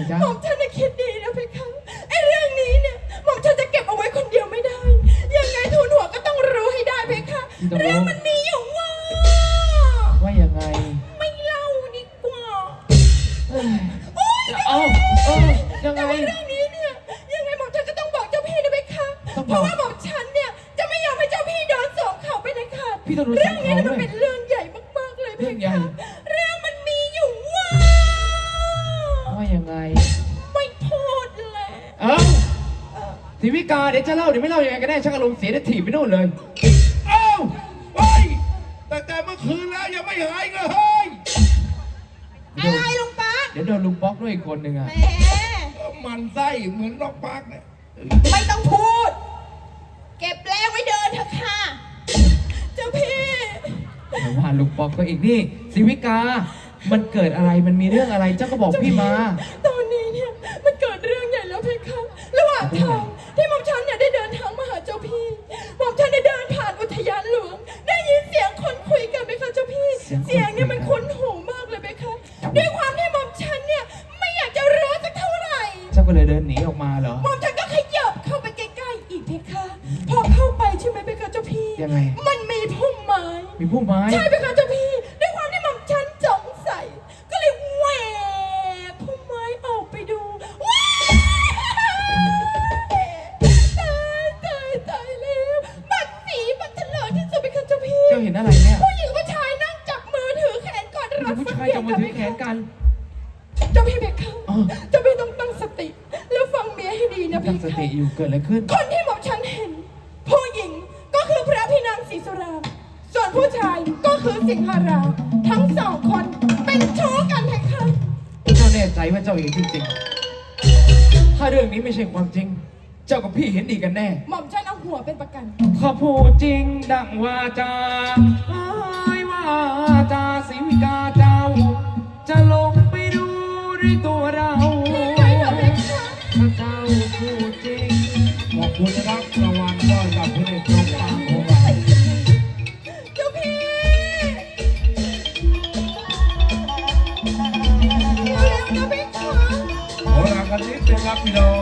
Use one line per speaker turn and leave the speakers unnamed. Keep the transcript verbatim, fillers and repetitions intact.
จ๊ะ
หม่อมฉันจะคิดดีนะเพคะไอ้เรื่องนี้เนี่ยหม่อมฉันจะเก็บเอาไว้คนเดียวไม่ได้ยังไงทูลหัวก็ต้องรู้ให้ได้เพคะเรื่องมันมีอยู่ว่า
ว่ายังไง
ไม่เล่าดีกว่า
เอ้าเออยังไง
เรื่องนี้เนี่ยยังไงหม่อมฉันก็ต้องบอกเจ้าพี่นะเพคะเพราะว่าหม่อมฉันเนี่ยจะไม่ยอมให้เจ้าพี่โดนสอบเขาไปในขาดเรื่องนี้มันเป็นเรื่องใหญ่มากๆเลยเพคะเรื่องมันมีอยู่ว่า
ว่ายังไง
ไม่พูดเลย
เอ้าทีวิกาเดี๋ยวจะเล่าเดี๋ยวไม่เล่ายังไงก็ได้ช่างอารมณ์เสียได้ถีบไปโน่นเลย
เอ้าเฮ้ยแต่แต่เมื่อคืนแล้วยังไม่หายเลยเฮ้ย
อะไรลุงป๊า
เดี๋ยวโดนลุงป๊อกด้วยอีกคนหนึ่งอ่ะ
แหม
มันไส้เหมือนนกปักเนี่ย
ไม่ต้องพูดเก็บแรงไว้เดินเถอะค่ะเจ้าพี่
แต่ว่าลุงป๊อกก็อีกนี่สิวิกามันเกิดอะไรมันมีเรื่องอะไรเจ้าก็บอกพี่มา
ตอนนี้เนี่ยมันเกิดเรื่องใหญ่แล้วเพคะระหว่างทางที่หม่อมฉันเนี่ยได้เดินทางมาหาเจ้าพี่หม่อมฉันได้เดินผ่านอุทยานหลวงได้ยินเสียงคนคุยกันไหมคะเจ้าพี่เสียงเนี่ยมันคุ้นหูมากเลยไหมคะด้วยความที่หม่อมฉันเนี่ยไม่อยากจะรู้สักเท่าไหร่
เจ้าก็เลยเดินหนีออกมาเหรอ
หม่อมฉันก็ขยับเข้าไปใกล้ๆอีกเพคะพอเข้าไปใช่ไหมเพคะเจ้าพี่
ยังไง
มันมีพุ่มไม้
มีพุ่มไม้
ใช่เพคะเจ้าพี่ด้วยความที่หม่อมฉันสงสัยก็เลยแหวกพุ่มไม้ออกไปดูว้ายตายตายตายแล้วบัดสีบัดเถลิงที่สุดเพคะเจ้าพี่
เจ้าเห็นอะไรเนี่ย
ผู้หญิงผู้ชายนั่งจับมือถือแขนกอดรัด
ผู้ชายจับมือถือแขนกัน
เจ้าพี่เพคะเจ้าพี่ต้องตั้งสติแล้วฟังเมียให้ดีนะเพคะ
ตั้งสติอยู่เกิดอะไรขึ้น
คนที่หม่อมฉันเห็นผู้หญิงก็คือพระพี่นางศรีสุรางค์ส่วนผู้ชายก็คือสิงหราทั้งสองคนเป็นชู้กันเพคะ
เจ้าแน่ใจว่าเจ้าเห็นจริงๆถ้าเรื่องนี้ไม่ใช่ความจริงเจ้ากับพี่เห็นดีกันแน่
หม่อมฉันเอาหัวเป็นประกัน
ข้าพูดจริงดังวาจาเอ้ยว่าจาสิวิกาเจ้าจะลงไปดูด้วยตัวเราถ้าเจ้าพูดจริง
ขอบคุณนะครับรางวัลก็จากพระเอกนกปักของเรา
เจ้าพี่เร็วๆนะพี่คะ
โอ้หลังกันนิดนึงครับพี่น้อง